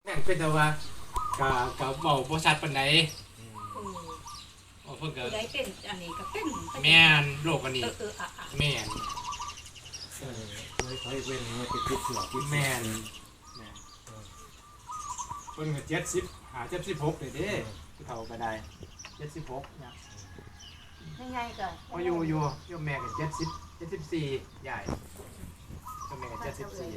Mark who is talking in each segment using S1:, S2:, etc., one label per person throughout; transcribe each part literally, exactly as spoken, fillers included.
S1: งเป็นแต่ว่าก็ก็เบาบ่ชัดปานใดเพิ่นก็
S2: ได้เป็นอันนี้ก็เป็น
S1: แม่นโรคอันนี้
S2: เออเอออ่ะอ่ะ
S1: แม่น
S3: เออไม่ค่อยเว้นไม่ติดติดเสือติด
S1: แม่นแม่นเพิ่นก็เจ็ดสิบหาเจ็ดสิบหกเลยเด้ผู้เฒ่าก็ได้เจ็ดสิบหกเนี่ย
S2: ยังไงก็
S1: พออยู่อยู่อยู่แม่ก็เจ็ดสิบเจ็ดสิบสี่ใหญ่ก็แม่ก็เจ็ดสิบสี่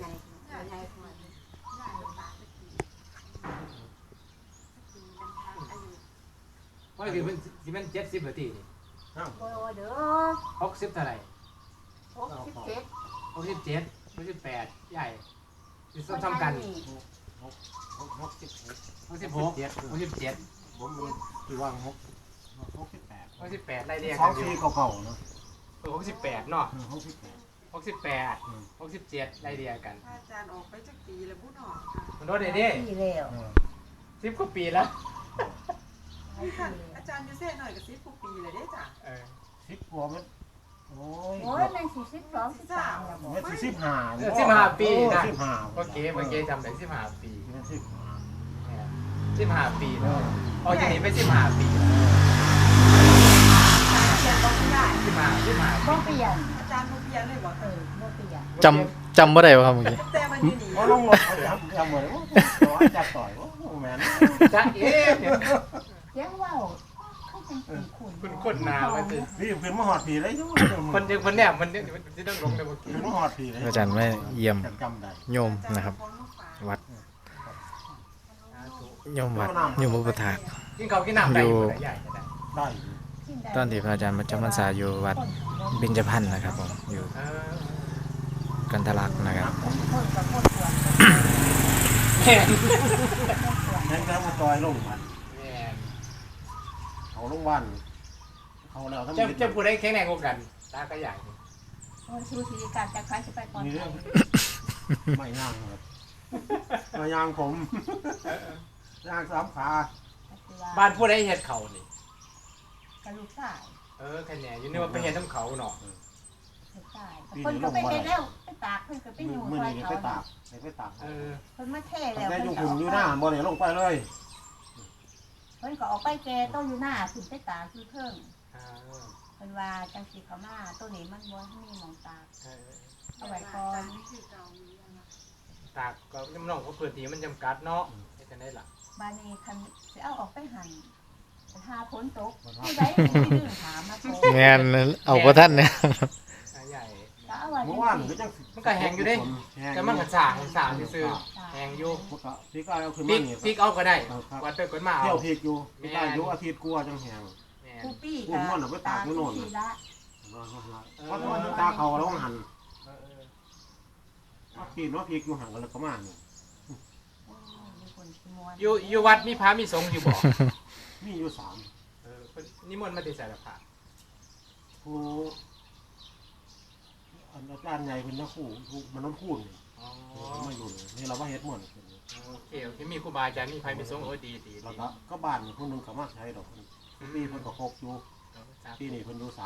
S1: เพราะคือมันสิมันเจ็ดสิบนาทีนี่
S3: อ้าว
S2: โอ้ยเด้อ
S1: หกสิบเท่าไหร่
S2: หกสิบเจ็ด
S1: หกสิบเจ็ดหกสิบแปดใหญ่สิซ้ำซ้ำกัน
S3: หกหกหกสิบหก
S1: หกสิบหกหกสิบเจ็ด
S3: ผมคือว่างหกหกสิบแปด
S1: หกสิบแปดไล่เรียง
S3: สอ
S1: กั
S3: ง
S1: นอยู่
S3: ปีเก่าๆเนาะ
S1: เออหกสิบแปดเนาะ
S3: หกสิบแปด
S1: หกสิบแปดหกสิบเจ็ดไล่เรียงกัน
S4: อาจารย์ออกไปจากปีแล้วพูดออก
S1: มันโดนเด้เด้
S2: ปีแล้ว
S1: สิบกว่าปีแล้ว
S4: ค่ะอาจารย์ยูเซ่หน่อยกับซิปปีเลยได้จ้ะ
S1: เออ
S3: สิบกว่ามันโอ้ย
S2: โอ้ยมันสี่สิบสองสิบสามแล้วบ่
S3: มันสิบห้า
S1: สิบห้าปีนะ
S3: สิบห้า
S1: โอเคเมื่อกี้จำได้สิบห้าปี
S3: มันสิบห้า
S1: สิบห้าปีแล้วออกจากนี้ไปสิบห้าปี
S4: เปลี่ยนบอกไม่ได้
S1: สิบห้าสิบห้า
S2: บ่เปลี่ยน
S4: อาจารย์โมเปลี่ยนเลยบอก
S2: เออบ่เปลี่ยน
S5: จำจำบ่ได้บ่ครับเมื่อกี้
S4: แต่มันอยู่นี่
S3: เพราะลงรถเขาจับจับเหมือนว่าต่อยจับต่อยว่าแมน
S1: จ้าเอ๊ะ
S2: เสียงเว้าเขาจังสิคุณ
S1: คุณคนนามันสิ
S3: พี่เพิ่นมาหอดผีเลย
S1: คนยังคนเนี่ยมันเนี่ยมันจะต้องลงในเมื่อกี้
S3: เพิ่นมาหอดผีเลย
S5: อาจารย์ไม่เยี่ยม
S3: จำได้
S5: โยมนะครับ วัดโยมวัดโยมอุปถาก
S1: กินข้าวกินน้ำได้อยู่ใหญ่
S3: ได้
S5: ตอนที่พระอาจารย์มาจำพรรษาอยู่วัดเบญจพรรณนะครับผมอยู่
S1: เออ
S5: กันทะลักนะครับ
S2: คนกับคนสวน
S1: แม่น
S3: นั่นก็มาต่อยลงมัน
S1: แม่น
S3: เขาลงวันเขาแล้วทั้ง
S1: จะจะพูดได้แข็งแรงกว่ากันตาก็ใหญ่
S2: โอ้ยชูชีการจะคล้ายจะไปก่อน
S3: มี
S2: ไป
S3: เรื่องไม่ย่างครับไม่ย่างผมย่างสามขา
S1: บ้านพูดได้เห็ดเขานี่
S2: กระลูกชาย
S1: เออแค่นี้อยู่นี่ว่าไปเห็ดน้ำเขาเนาะ
S2: ลูกชายคนก็ไปเฮ็ดแล้วไปตากเพิ่นก็ไปอยู่
S3: มือ
S2: ซอย
S3: นี้
S2: เขา
S3: ไปตากไปตาก
S1: เออ
S2: เพิ่นมาเท่
S3: ตั้
S2: แล้
S3: ง
S2: ว
S3: แต่
S2: เพิ่น
S3: อยู่
S2: ก็
S3: หุ่นอยู่หน้าบ่เนี่ยลงไปเลย
S2: เพิ่นก็ออกไปแกต้องอยู่หน้าขึ้นไปตากคือเพิ่ง
S1: อ่า
S2: เพิ่นว่าจังสิเขามาตัวนี้มันบ่มีหมองตาก
S1: เออ
S2: เอาไว้ก่อน
S4: นี่คือเก่ามีนะ
S1: ตากก็น้องเขาเปิดทีมันจำกัดเนาะให้กันได้ล่ะ
S2: บ้านนี้คันสิเอาออกไปหั่นถ้าฝนตกผู้ใดสิดื้อถามมาโทร
S5: งานเอาพระท่านเนี่ย
S1: ใหญ่
S2: ก็เอาไว้
S3: เมื่
S2: จั
S3: อง วาน
S2: ซี่
S3: ก็จัง
S1: มันก็แหงอยู่ดิแต่มันก็สางสางซื่อแหงอยู่
S3: พี่ก็เอาขึ้น
S1: พริ
S3: มาก นี่
S1: พริกเอาก็ได้วัดไปกดมา
S3: เที่ย
S1: เอา
S3: วพริกอยู่พี่ก็อยู่อาทิตย์กลัวจังแหง
S1: แม่
S2: ผู้ปี้
S3: พูดม่วนเอาไปตากอยู่โน่น
S2: ที่ละ
S3: เพราะว่าตาเขาแล้วหัน
S1: เออเออ
S3: ว่าพี่ว่าพริกอยู่ห่างกันแล้วก็มาเนี่ย
S2: โอ้ยมีคนสิม่วน
S1: อยู่อยู่วัดมีพระมีสงฆ์อยู่บ่
S3: มีอยู่สาม
S1: เออเพิ่นนิมนต์มาติสารพระ
S3: ผู้อันอาจารย์ใหญ่เป็นนักคู่มันน้องคู่นี่
S1: อ๋อ
S3: มาอยู่นี่เราว่าเฮ็ดม่วน
S1: โอเคโอเคมีครูบาอาจารย์มีพระมีสงฆ์โอ้ดีดี
S3: แล้วก็ก็บ้านคนนึงก็มาใช้ดอกปีเพิ่นก็ครบอยู่ปีนี้เพิ่นอยู่สาม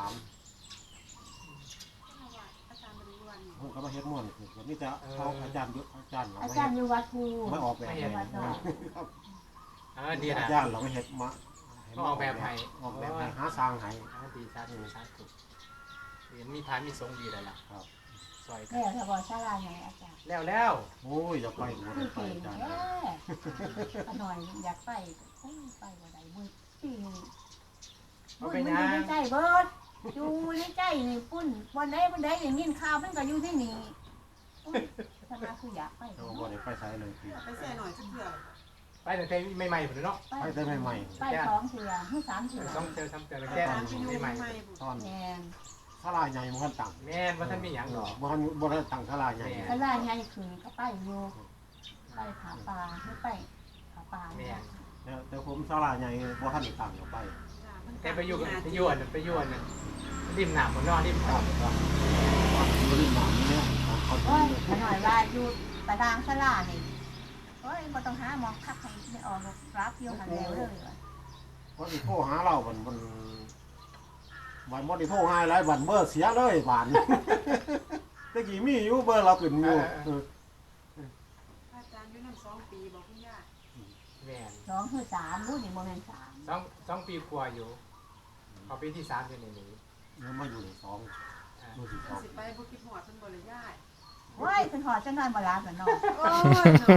S4: อาจารย์บริวาร
S3: เพิ่นก็มาเฮ็ดม่วนคือมีแต่เขาอาจารย์เยอะอาจารย์เรา
S2: อา
S3: ไม่
S2: จา
S3: เฮ็
S2: ร
S3: ด
S2: ย์อยู่วัดภู
S3: ไม่ออกแบบ
S2: อ
S3: เอยู่ ง
S2: วัดนอก
S1: เออดีนะ
S3: อาจารย์เราไม่เฮ็ดมา
S1: ออกแบบให้
S3: ออกแบบให้หาสร้างให้
S1: อ่าดีสาธุสาธุเห็นมีพระมีสงฆ์ดีแล้วล่ะ
S3: ครับ
S1: ซอยกั
S2: แม่
S1: น
S2: ถ้าบอกศาลาไหนอาจารย์
S1: แล้วแล้ว
S3: โอ้ยอย่าไปหมด
S2: คือ
S3: ไป
S2: เก่ง
S3: อาจารย์
S2: แย่ขน่อยอยากไปโอ้ยไปบ่ได้มื้อปีนี้บุญมันอยู่ในใจเบิดอยู่ในใจนี่ปุ้นวันใดวันใดอย่างนี้ข่าวมันก็อยู่ที่นี่โอ้ยถ้ามาคืออยากไป
S3: เราบ่ได้ไปไสเลยพี่
S4: ไปใส่หน่อยสักเถื่อ
S1: ไปตั้งแต่ใหม่ๆพุ่นเนาะ
S3: ไปแต่ใหม่
S2: ไปสองเถื่อให้สามเถื่อ
S1: สองเจอสามเจอแล้ว
S4: อา
S1: แก้
S4: จารย์ไปอยู่
S1: ใหม่
S4: ใหม่
S3: ๆตอน
S2: แมน
S3: ศาลาใหญ่บ่ทันตั้ง
S1: แม่นว่าท่านมีหยังหรอก
S3: บ่ทันบ่ทันตั้งศาลาใหญ่
S2: ถ้าล่าใหญ่ขึ้นก็ไปอยู่ไปผาป่าไม่ไปผาป่า
S1: แม่น
S3: แล้วแต่ผมศาลาใหญ่บ่ทันได้ตั้งก็ไป
S1: แต่ไปอยู่กันไปอยู่อันนั้นไปอยู่อันนั้นริมหนามบนนอกริมเขา
S3: บ่ได้มาเนี่ยเขา
S2: โอ้ยขน่อยว่าอยู่ประดางสลานี่โอ้ยบ่ต้องหามองคักให้ไม่ออกหรอกรับอยู่หันแล้วเลยว่ะ
S3: ว่าสิโทรหาเราบันบันวันบ่ได้โทรหาหลายวันเบอร์เสียเลยบานตะกี้มีอยู่เบอร์เราขึ้นอยู่
S4: อาจารย์อยู่นั่นสองปีบอกคุณย่า
S1: แม่น
S2: สองคือสามรู้นี่โมเมนสาม
S1: สองสองปีกว่าอยู่พอปีที่สามอยู่ในนี้
S3: เนื้อมาอยู่ในสองมือสิบสอง
S4: สิไปบ่คิดฮอดเพิ่นบ่ได้ย้าย
S2: เฮ้ยเป็นหอดจะนอนบาลากันเนาะ
S4: โอ้ยเนาะ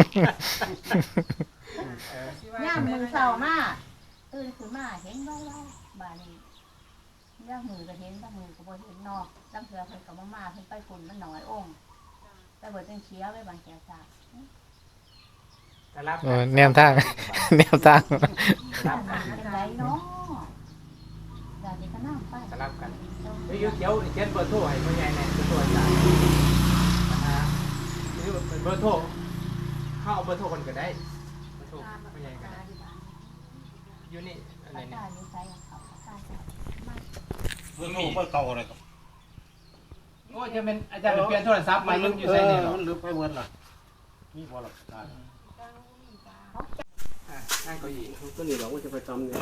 S1: เออ
S2: ย่ามมือเศร้ามากตื่นขึ้นมาเห็นไว้ไว้บานี้ย่ามมือก็เห็นย่ามมือก็บ่เห็นนอกตั้งเถื่อเพิ่นก็บ่มาเพิ่นไปฝุ่นมันน้อยองค์ไปเบิดจังเชียไว้บางแก่ซาก
S1: แต่รับ
S5: โอ้แนวทาง แนวทาง
S1: รับกัน
S2: เป็นไรเนาะอยากจะก็นั่งไป
S1: แต่รับกันเดี๋ยวเดี๋ยวเขียนเบอร์โทรให้พ่อใหญ่แน่เบอร์โทรอาจารย์นะฮะนี่เป็นเบอร์โทรเข้าเอาเบอร์โทรคนก็ได้เบอร์โทรพ่อใหญ่ก็ได้อยู่นี่อะไร
S2: ปาก
S1: เนี่ย
S2: กาอยู่ใส่เขาปากกาใส่มา
S3: เมื่อมีเมื่อเก่าเลยครับ
S1: โอ้ยจะเป็นอาจารย์เปลี่ยนโทรศัพท์ใหม่มันอยู่ใส่เนี่ยหรอ
S3: มันลืมไปเหมือนล่ะมีบ่ล่ะได้
S1: อ่ะนั่งเก้าอี้
S3: ก็นี่เราก็จะไปทำเนี่ย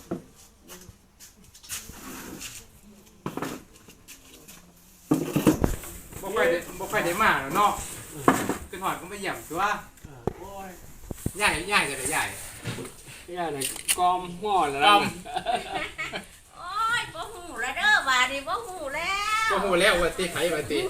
S1: บ่ค่อยได้บ่ค่อยได้มาแล้วเนาะขึ้นหอดก็ไม่เยี่ยมตัว
S3: โอ้ย
S1: ใหญ่ใหญ่จะได้ใหญ่
S6: เนี่ยนะกอมหัวแล้ว
S1: ต้อม
S2: โอ้ยบ่หูแล้วเด้อบาดนี้บ่หูแล้ว
S1: ก็หูแล้วว่าติไผว่าติ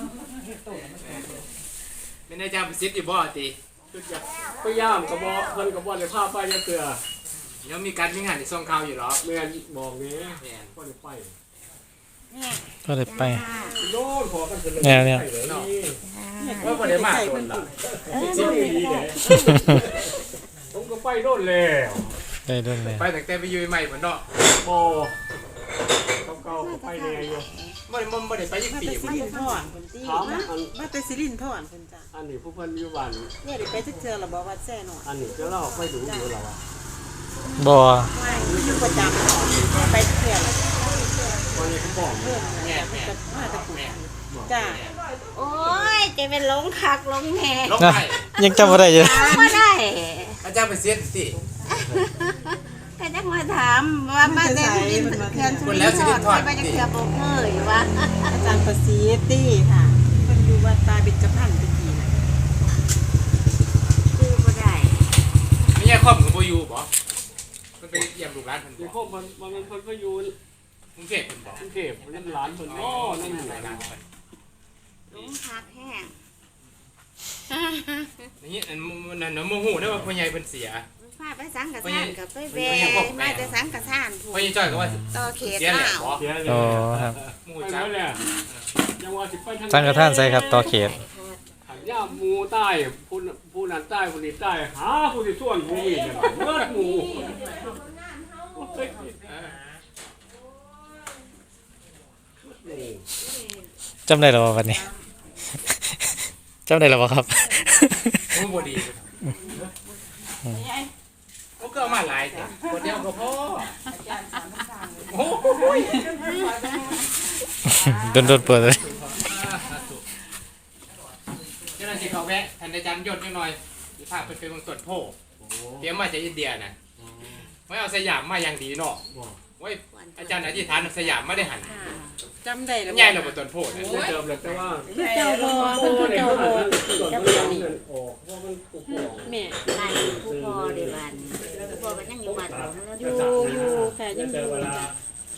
S1: เป็นอาจารย์ประสิทธิ์อยู่บ่ติ
S6: พยายามกระบอกเพิ่นกระบอกในภาพไปจะเกลือ
S1: เดี๋ยวมีการมีงานที่ส่งข่าวอยู่หรอ
S6: เมื่อบอกนี้
S1: แม่น
S6: ก็ได้ไป
S5: ก็เลยไป
S6: โน่นพอกันเลย
S5: แนวเนี่ย
S6: ไปเลยนี่
S1: ว่าบ่ได้มาคนละ
S6: สิบปีเลยผมก็ไปโน่นแล้ว
S5: ได้ด้วยเลย
S1: ไปตั้งแต่ไปอยู่ใหม่เหมือนเนาะ
S6: โอ้เก่าๆก็ไปแน่อยู่
S1: บ่ได้บ่บ่ได้ไปยี่
S4: มา
S1: ปี
S4: แต่สิ
S1: บ่
S4: รินทรเพิ่นติ
S6: ถามอัน
S4: มาแต่สิรินทรเพิ่นจ้ะ
S6: อันนี้ผู้เพิ่นอยู่บ้าน
S4: เนี่ยได้ไปจักเทื่อแล้วบ่วัดแซ่หน่อย
S6: อันนี้จะเล่าไปดูอยู่แล้วว่า
S5: บ่
S4: ไม่อยู่ประจำไปเทื่อละ
S6: วันนี้เขาบอก
S4: เพิ่น
S1: แม่
S4: น่ะ
S1: แม่
S4: มาแต่กุจ้ะ
S2: โอ้ยจะเป็นหลงคักหลงแหน่
S1: ลง
S5: นะ
S1: ไป
S5: ยังจำบ่ได้อยู่
S2: ถามบ่ได้
S1: อาจารย์ประสิทธิ์สิ
S2: ก็จักมาถามว่ามาแต่สิรินเขื่อนสุรินทร์ไปจักเทื่อบ่เคยว่า
S4: อาจารย์ประสิทธิ์ติค่ะเพิ่นอยู่วัดตาเบญจพรรณตะกี้น่ะ
S2: คือบ่ได้
S1: ไม่ใช่ครอบของบ่อยู่บ่มันไปเยี่ยมลูกหลานเพิ่น
S6: เดี๋ยว
S1: บ่
S6: พวกมันมันเพิ่นก็อยู่
S1: กรุงเทพเพิ่นบ่
S6: กรุงเทพนั่นหลานเพิ่นอ๋อนั่นอยู่
S1: หลานเพิ่น
S2: หลงคักแห้ง
S1: อย่างนี้อันมันนั่นโมโหได้ว่าพ่อใหญ่เพิ่นเสีย
S2: พาไปสังกะสานกับไปแวมาแต่สังกะสานผู้
S1: พ่อใหญ่จ้อยก็ว่า
S2: ต่อเขต
S1: เสียแหละ
S2: ลาว
S1: บ่
S6: เสียเลย
S5: โอ้ครับ
S1: หมู่
S6: ไป
S1: จัก
S6: แล้วเนี่ยยังว่าสิไปทาง
S5: สังฆทานใส่ครับต่อเขต
S6: หันย่าหมูใต้ผู้ผู้นั้นใต้ผู้นี้ใต้หาผู้ที่ส่วนผู้นี้เนี่ยเมื่อหมู
S5: จำได้แล้วบ่วันนี้ จำได้แล้วบ่ครับ
S1: หมู่บ่ดีโอ้ก็เอามาหลายจ้ะคนเดียวก็พอโอ้ย
S5: โดนๆเปิดเลย
S1: เจ้าหน้าที่เขาแวะท่านอาจารย์ยศนิดหน่อยสิพาเพิ่นไปเบิ่งต้นโพเตรียมมาจากอินเดียน่ะไว้เอาสยามมาอย่างดีเนาะไว้อาจารย์อธิษฐานเอาสยามมาได้หัน
S4: จำได้แล้ว
S1: ใหญ่แล้วบ่ต้นโพน่ะ
S6: เดิมเลยแต่ว่า
S4: เจ้าบ่เพิ่นคือเจ้าบ่เจ้าบ่นี่
S6: ออกเพราะมันปลูกออก
S4: แม่
S2: บ้านผู้พ่อเด้บ้านผู้พ่อก็ยังอยู่บ้านของเรา
S4: อยู่อยู่ค่ะยังอยู่จ้ะ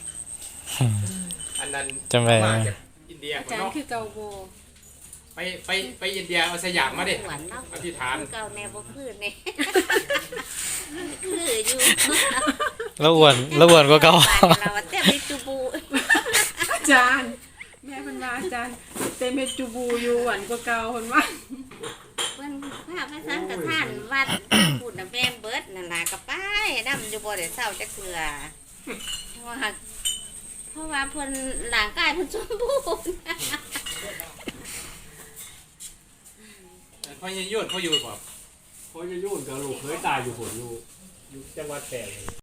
S1: อันนั้น
S5: จำได้
S1: มาจากอินเดีย
S4: อา
S1: พุ่น
S4: จารย์
S1: เนาะ
S4: คือเก่าบ่
S1: ไปไปไปอินเดียเอาสยามมาเด้
S2: หวานเนาะ
S1: อธิษฐาน
S2: คือเก่าแนวบ่คือนี่คืออยู่
S5: แล้วอ้วนแล้วอ้วนกว่าเก่า
S2: บ้านเราแต่ไปจูบู
S4: อาจารย์แม่เพิ่นว่าอาจารย์เต็มเฮ็ดจูบูอยู่หวานกว่าเก่าเพิ่นว่า
S2: เพิ่นพาไปสังกะทานวัดพูดน่ะแม่นเบิดนั่นล่ะก็ไปนำอยู่บ่ได้เศร้าจักเทื่อเพราะว่าเพราะว่าเพิ่นร่างกายเพิ่นสมบูรณ์
S1: พ่อใหญ่ยศเขาอยู่บ่
S6: เพราะจะยุ่นกับลูกเคยตายอยู่ผลอยู่อยู่จังหวัดแพร่